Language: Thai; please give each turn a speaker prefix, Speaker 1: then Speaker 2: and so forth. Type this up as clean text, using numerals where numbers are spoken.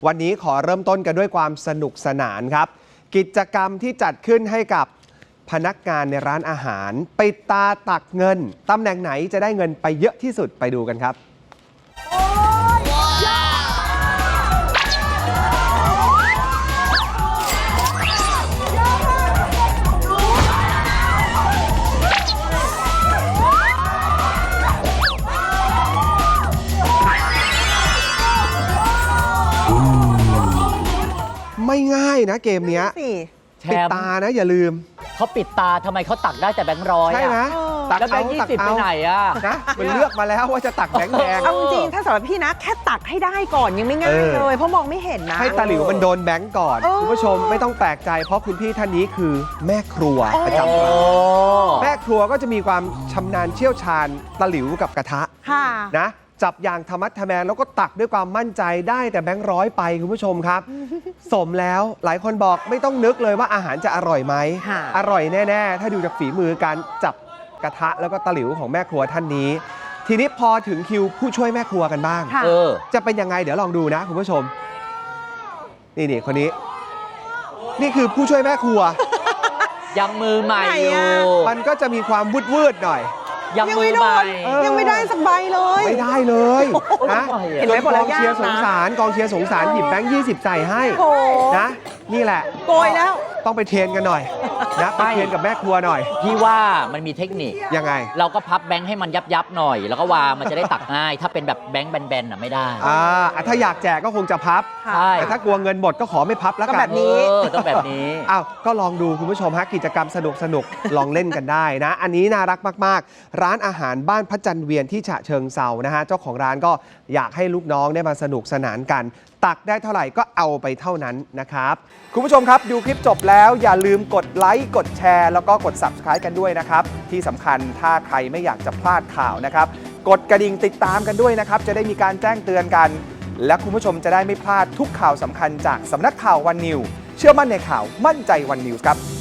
Speaker 1: วันนี้ขอเริ่มต้นกันด้วยความสนุกสนานครับกิจกรรมที่จัดขึ้นให้กับพนักงานในร้านอาหารปิดตาตักเงินตำแหน่งไหนจะได้เงินไปเยอะที่สุดไปดูกันครับไม่ง่ายนะเกมนี้ปิดตานะอย่าลืม
Speaker 2: เขาปิดตาทำไมเขาตักได้แต่แบงค์ร้อย
Speaker 1: ใช่ไหม
Speaker 2: ตักแล้วแบงค์20ไปไหนอะ
Speaker 1: นะมันเลือกมาแล้วว่าจะตักแบงค์แดง
Speaker 3: เอาจริงถ้าสำหรับพี่นะแค่ตักให้ได้ก่อนยังไม่ง่ายเลยเพราะมองไม่เห็นนะ
Speaker 1: ให้ตาหลิวมันโดนแบงค์ก่อนคุณผู้ชมไม่ต้องแปลกใจเพราะคุณพี่ท่านนี้คือแม่ครัวประจำร้านแม่ครัวก็จะมีความชำนาญเชี่ยวชาญตาหลิวกับกระทะนะจับอย่างธรรมัดทะแมงแล้วก็ตักด้วยความมั่นใจได้แต่แบงค์ร้อยไปคุณผู้ชมครับ สมแล้วหลายคนบอกไม่ต้องนึกเลยว่าอาหารจะอร่อยไหมอร่อยแน่ๆถ้าดูจากฝีมือการจับกระทะแล้วก็ตะหลิวของแม่ครัวท่านนี้ทีนี้พอถึงคิวผู้ช่วยแม่ครัวกันบ้างจะเป็นยังไงเดี๋ยวลองดูนะคุณผู้ชมนี่คนนี้นี่คือผู้ช่วยแม่ครัว
Speaker 2: ยังมือใหม่อยู่
Speaker 1: มันก็จะมีความวืดหน่อย
Speaker 2: ยังมือใหม่
Speaker 3: ยังไม่ได้สักใบเลย
Speaker 1: ไม่ได้เลยนะเห็นไหมกองเชียร์สงสารกองเชียร์สงสารหยิบแบงค์20ใส่ให้นะนี่แหละ
Speaker 3: โกยแล้ว
Speaker 1: ต้องไปเทรนกันหน่อยนะไปเทรนกับแม่ครัวหน่อย
Speaker 2: พี่ว่ามันมีเทคนิค
Speaker 1: ยังไง
Speaker 2: เราก็พับแบงค์ให้มันยับหน่อยแล้วก็วางมันจะได้ตักง่ายถ้าเป็นแบบแบงค์แบนๆไม่ได้
Speaker 1: ถ้าอยากแจกก็คงจะพับแต่ถ้ากลัวเงินหมดก็ขอไม่พับแล้วกัน
Speaker 3: แบบนี้
Speaker 2: ต้องแบบนี้
Speaker 1: อ้าวก็ลองดูคุณผู้ชมฮะกิจกรรมสนุกลองเล่นกันได้นะอันนี้น่ารักมากๆร้านอาหารบ้านพระจันทร์เวียนที่ฉะเชิงเทรานะฮะเจ้าของร้านก็อยากให้ลูกน้องได้มาสนุกสนานกันตักได้เท่าไหร่ก็เอาไปเท่านั้นนะครับคุณผู้ชมครับดูคลิปจบแล้วอย่าลืมกดไลค์กดแชร์แล้วก็กด Subscribe กันด้วยนะครับที่สำคัญถ้าใครไม่อยากจะพลาดข่าวนะครับกดกระดิ่งติดตามกันด้วยนะครับจะได้มีการแจ้งเตือนกันและคุณผู้ชมจะได้ไม่พลาดทุกข่าวสำคัญจากสำนักข่าววันนิวเชื่อมั่นในข่าวมั่นใจวันนิวส์ครับ